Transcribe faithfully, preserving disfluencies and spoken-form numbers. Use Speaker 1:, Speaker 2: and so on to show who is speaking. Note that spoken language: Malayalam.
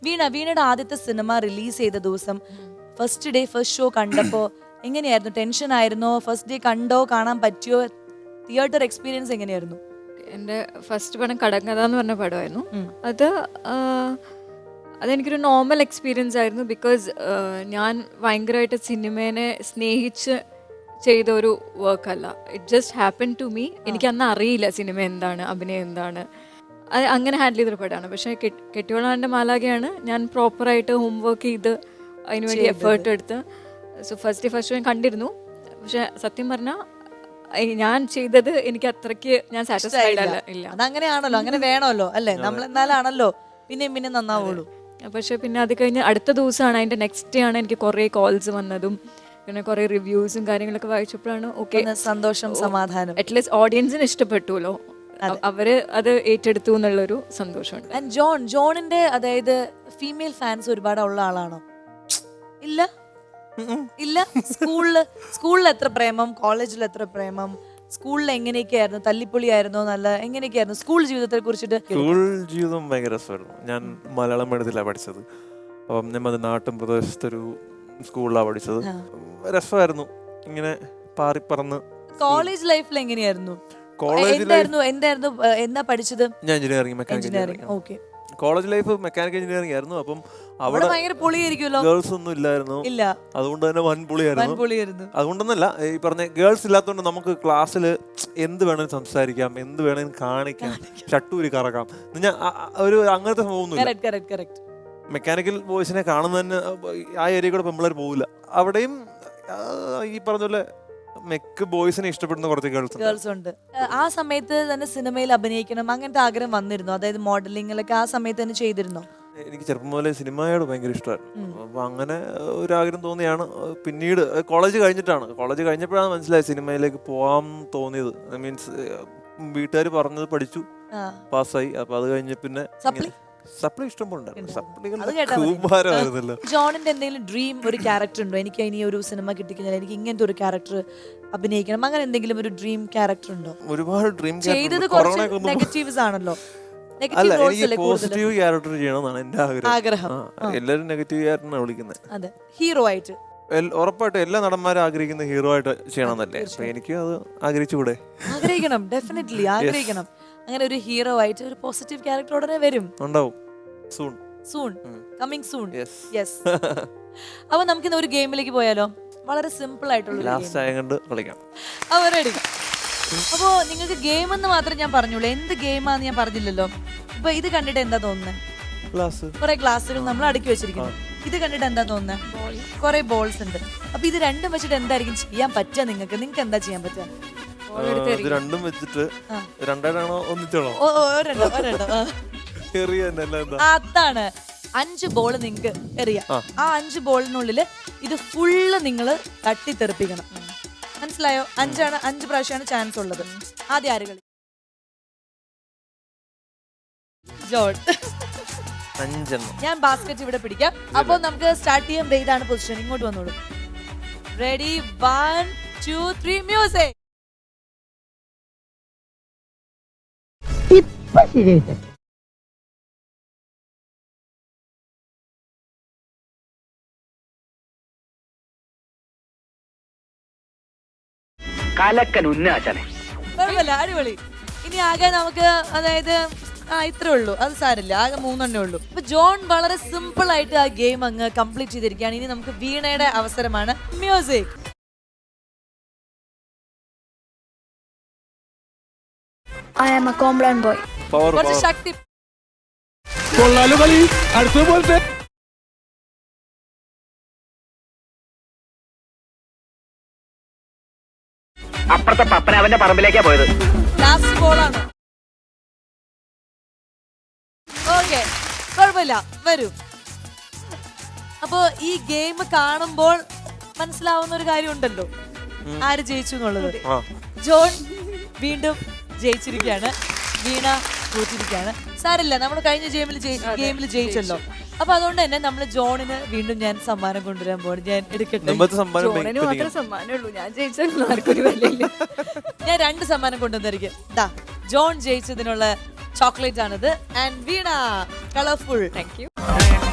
Speaker 1: വീണ വീണയുടെ ആദ്യത്തെ സിനിമ റിലീസ് ചെയ്ത ദിവസം ഫസ്റ്റ് ഡേ ഫസ്റ്റ് ഷോ കണ്ടപ്പോ എങ്ങനെയായിരുന്നു? ടെൻഷൻ ആയിരുന്നോ? ഫസ്റ്റ് ഡേ കണ്ടോ? കാണാൻ പറ്റിയോ? തിയേറ്റർ എക്സ്പീരിയൻസ് എങ്ങനെയായിരുന്നു?
Speaker 2: എൻ്റെ ഫസ്റ്റ് പടം കടങ്കഥ എന്ന് പറഞ്ഞ പടമായിരുന്നു. അത് അതെനിക്കൊരു നോർമൽ എക്സ്പീരിയൻസ് ആയിരുന്നു. ബിക്കോസ് ഞാൻ ഭയങ്കരമായിട്ട് സിനിമേനെ സ്നേഹിച്ച് ചെയ്ത ഒരു വർക്കല്ല. It just happen to me. എനിക്ക് അന്ന് അറിയില്ല സിനിമ എന്താണ്, അഭിനയം എന്താണ്. അത് അങ്ങനെ ഹാൻഡിൽ ചെയ്തൊരു പടമാണ്. പക്ഷേ കെട്ടിയോളാൻ്റെ മാലാഖയാണ് ഞാൻ പ്രോപ്പറായിട്ട് ഹോംവർക്ക് ചെയ്ത് അതിനുവേണ്ടി എഫേർട്ട് എടുത്ത്. സോ ഫസ്റ്റ് ഫസ്റ്റ് ഞാൻ കണ്ടിരുന്നു. പക്ഷെ സത്യം പറഞ്ഞാൽ ഞാൻ ചെയ്തത് എനിക്ക് അത്രയ്ക്ക് ഞാൻ സാറ്റിസ്ഫൈഡ് അല്ല. ഇല്ല,
Speaker 1: അതങ്ങനെയാണല്ലോ, അങ്ങനെ വേണമല്ലോ അല്ലേ? നമ്മൾ എന്നാലാണല്ലോ പിന്നെയും പിന്നെ നന്നാവുള്ളൂ.
Speaker 2: പക്ഷെ പിന്നെ അത് കഴിഞ്ഞ് അടുത്ത ദിവസമാണ്, അതിൻ്റെ നെക്സ്റ്റ് ഡേ ആണ് എനിക്ക് കുറേ കോൾസ് വന്നതും പിന്നെ കുറേ റിവ്യൂസും കാര്യങ്ങളൊക്കെ വായിച്ചപ്പോഴാണ് ഓക്കെ,
Speaker 1: സന്തോഷം, സമാധാനം.
Speaker 2: അറ്റ്ലീസ്റ്റ് ഓഡിയൻസിന് ഇഷ്ടപ്പെട്ടുല്ലോ, അവര് അത് ഏറ്റെടുത്തു എന്നുള്ളൊരു സന്തോഷമുണ്ട്.
Speaker 1: ആൻഡ് ജോൺ ജോണിന്റെ അതായത് ഫീമെയിൽ ഫാൻസ് ഒരുപാട് ഉള്ള ആളാണോ? ഇല്ല ഇല്ല. സ്കൂളില് സ്കൂളിൽ എത്ര പ്രേമം, കോളേജിൽ എത്ര പ്രേമം, സ്കൂളിൽ എങ്ങനെയൊക്കെയായിരുന്നു? തല്ലിപ്പൊളിയായിരുന്നോ? നല്ല എങ്ങനെയൊക്കെയായിരുന്നു സ്കൂൾ ജീവിതത്തെ കുറിച്ചിട്ട്?
Speaker 3: സ്കൂൾ ജീവിതം ഭയങ്കര രസമായിരുന്നു. ഞാൻ മലയാളം മീഡിയത്തിലാണ് പഠിച്ചത്. അപ്പം ഞാൻ നാട്ടും പ്രദേശത്തൊരു സ്കൂളിലാണ് പഠിച്ചത്. രസമായിരുന്നു ഇങ്ങനെ പാറിപ്പറന്ന്.
Speaker 1: കോളേജ് ലൈഫിൽ എങ്ങനെയായിരുന്നു?
Speaker 3: കോളേജ്
Speaker 1: എന്തായിരുന്നു എന്താ പഠിച്ചത്?
Speaker 3: ഞാൻ engineering, mechanical engineering.
Speaker 1: Okay.
Speaker 3: College life mechanical engineering ആയിരുന്നു. അപ്പം
Speaker 1: അവിടെ ഭയങ്കര പൊളിയായിരിക്കുമല്ലോ.
Speaker 3: ഗേൾസ് ഒന്നും ഇല്ലായിരുന്നു.
Speaker 1: ഇല്ല,
Speaker 3: അതുകൊണ്ട് തന്നെ വൻ പൊളിയായിരുന്നു. അതുകൊണ്ടൊന്നല്ല, ഈ പറഞ്ഞ ഗേൾസ് ഇല്ലാത്തതുകൊണ്ട് നമുക്ക് ക്ലാസ്സിൽ എന്ത് വേണമെങ്കിലും സംസാരിക്കാം, എന്ത് വേണമെങ്കിലും കാണിക്കാം, ഷട്ടൂരി കറക്കാം. ഞാൻ ഒരു അങ്ങനത്തെ സംഭവമൊന്നുമില്ല. മെക്കാനിക്കൽ ബോയ്സിനെ കാണുന്ന തന്നെ ആ ഏരിയ കൂടെ പെമ്പിള്ളേർ പോകില്ല. അവിടെയും ഈ പറഞ്ഞ പോലെ മെക്ക് ബോയ്സിനെ ഇഷ്ടപ്പെടുന്ന കുറച്ച് ഗേൾസ്
Speaker 1: ഗേൾസ് ഉണ്ട്. ആ സമയത്ത് തന്നെ സിനിമയിൽ അഭിനയിക്കണം അങ്ങനത്തെ ആഗ്രഹം വന്നിരുന്നു? അതായത് മോഡലിംഗിലൊക്കെ ആ സമയത്ത് തന്നെ ചെയ്തിരുന്നോ?
Speaker 3: എനിക്ക് ചെറുപ്പം മുതലേ സിനിമയോട് ഭയങ്കര ഇഷ്ടമായിരുന്നു. അപ്പൊ അങ്ങനെ ഒരു ആഗ്രഹം തോന്നിയാണ്. പിന്നീട് കോളേജ് കഴിഞ്ഞിട്ടാണ് കോളേജ് കഴിഞ്ഞപ്പോഴാണ് മനസ്സിലായത് സിനിമയിലേക്ക് പോകാൻ തോന്നിയത്. മീൻസ് വീട്ടുകാർ പറഞ്ഞത് പഠിച്ചു, പാസ്സായി. അപ്പൊ അത് കഴിഞ്ഞ പിന്നെ സപ്ലി ഇഷ്ടംപോലുണ്ടായിരുന്നു.
Speaker 1: ജോണിന്റെ എന്തെങ്കിലും ഡ്രീം ഒരു ക്യാരക്ടർ ഉണ്ടോ? എനിക്ക് ഇനി ഒരു സിനിമ കിട്ടിക്കഴിഞ്ഞാൽ എനിക്ക് ഇങ്ങനത്തെ ഒരു ക്യാരക്ടർ അഭിനയിക്കണം, അങ്ങനെ എന്തെങ്കിലും ഒരു ഡ്രീം ക്യാരക്ടർ ഉണ്ടോ?
Speaker 3: ഒരുപാട് ഡ്രീം
Speaker 1: ചെയ്തത് കുറച്ച് നെഗറ്റീവ്സ് ആണല്ലോ.
Speaker 3: അല്ല, എനിക്ക് പോസിറ്റീവ് ക്യാരക്ടർ ചെയ്യണമെന്നാണ് എന്റെ ആഗ്രഹം. എല്ലാവരും നെഗറ്റീവ് ക്യാരക്ടറിനാണ് വിളിക്കുന്നത്.
Speaker 1: അതെ, ഹീറോ ആയിട്ട്.
Speaker 3: ഉറപ്പായിട്ടും എല്ലാ നടന്മാരും ആഗ്രഹിക്കുന്ന ഹീറോ ആയിട്ട് ചെയ്യണമെന്നല്ലേ. അപ്പൊ എനിക്ക് അത് ആഗ്രഹിച്ചുകൂടെ?
Speaker 1: ആഗ്രഹിക്കണം, ഡെഫിനറ്റ്ലി ആഗ്രഹിക്കണം. അങ്ങനെ ഒരു ഹീറോ ആയിട്ട് ഒരു പോസിറ്റീവ് ക്യാരക്ടർ ഉടനെ വരും,
Speaker 3: ഉണ്ടാവും. Soon
Speaker 1: soon coming soon. Yes. അപ്പൊ നമുക്കിന്ന് ഒരു ഗെയിമിലേക്ക് പോയാലോ? വളരെ സിമ്പിൾ ആയിട്ടുള്ള
Speaker 3: ലാസ്റ്റ് ആയ കണ്ട് കളിക്കാം.
Speaker 1: അപ്പൊ റെഡി? അപ്പോ നിങ്ങൾക്ക് ഗെയിം എന്ന് മാത്രം ഞാൻ പറഞ്ഞോളൂ, എന്ത് ഗെയിമാന്ന് ഞാൻ പറഞ്ഞില്ലല്ലോ. അപ്പൊ ഇത് കണ്ടിട്ട് എന്താ തോന്നുന്നത്? കുറെ ഗ്ലാസുകൾ നമ്മൾ അടുക്കി വെച്ചിരിക്കുന്നു. ഇത് കണ്ടിട്ട് എന്താ തോന്നുന്നത്? കുറെ ബോൾസ് ഉണ്ട്. അപ്പൊ ഇത് രണ്ടും വെച്ചിട്ട് എന്തായിരിക്കും ചെയ്യാൻ പറ്റുക നിങ്ങൾക്ക്? നിങ്ങൾക്ക് എന്താ ചെയ്യാൻ പറ്റുക?
Speaker 3: രണ്ടും വെച്ചിട്ട് രണ്ടാണോ ഒന്നിച്ചാണോ?
Speaker 1: അതാണ്, അഞ്ച് ബോൾ നിങ്ങൾക്ക് എറിയാം. ആ അഞ്ച് ബോളിനുള്ളില് ഇത് ഫുള്ള് നിങ്ങൾ തട്ടിത്തെറിപ്പിക്കണം. മനസ്സിലായോ? അഞ്ചാണ്, അഞ്ച് പ്രാവശ്യമാണ് ചാൻസ് ഉള്ളത്. ആദ്യം ആര് കളി? ജോൺ. ഞാൻ ബാസ്കറ്റ് ഇവിടെ പിടിക്കാം. അപ്പൊ നമുക്ക് സ്റ്റാർട്ട് ചെയ്യാം. ഇതാണ് പൊസിഷൻ. ഇങ്ങോട്ട് വന്നോളൂ. Ready? One two three music.
Speaker 4: കലക്കൻ ഉന്നാചാനെ.
Speaker 1: കുഴപ്പമില്ല, അടിപൊളി. ഇനി ആകെ നമുക്ക് അതായത് ആ ഇത്രേ ഉള്ളൂ, അത് സാരില്ല, ആകെ മൂന്നെണ്ണേ ഉള്ളൂ. അപ്പൊ ജോൺ വളരെ സിമ്പിൾ ആയിട്ട് ആ ഗെയിം അങ്ങ് കംപ്ലീറ്റ് ചെയ്തിരിക്കുകയാണ്. ഇനി നമുക്ക് വീണയുടെ അവസരമാണ്. Music.
Speaker 5: I am a Comblan boy.
Speaker 1: കുറച്ച് ശക്തി.
Speaker 4: അപ്പുറത്തെ പപ്പനാവന്റെ പറമ്പിലേക്കാ പോയത്.
Speaker 1: ലാസ്റ്റ് ബോളാണ്. ഓക്കെ, കുഴപ്പമില്ല, വരൂ. അപ്പോ ഈ ഗെയിം കാണുമ്പോൾ മനസ്സിലാവുന്ന ഒരു കാര്യം ഉണ്ടല്ലോ, ആര് ജയിച്ചു എന്നുള്ളത്. ജോൺ വീണ്ടും ജയിച്ചിരിക്കുകയാണ്, വീണ തോറ്റിരിക്കുകയാണ്. സാരില്ല, നമ്മൾ കഴിഞ്ഞ ഗെയിമിൽ ഗെയിമിൽ ജയിച്ചല്ലോ. അപ്പൊ അതുകൊണ്ട് തന്നെ നമ്മൾ ജോണിന് വീണ്ടും ഞാൻ സമ്മാനം കൊണ്ടുവരാൻ പോകണം. ഞാൻ എടുക്കട്ടെ? ഞാൻ രണ്ട് സമ്മാനം കൊണ്ടുവന്നിരിക്കും. ദാ ജോൺ ജയിച്ചതിനുള്ള ചോക്ലേറ്റ് ആണിത്. And Veena colourful.
Speaker 2: Thank U.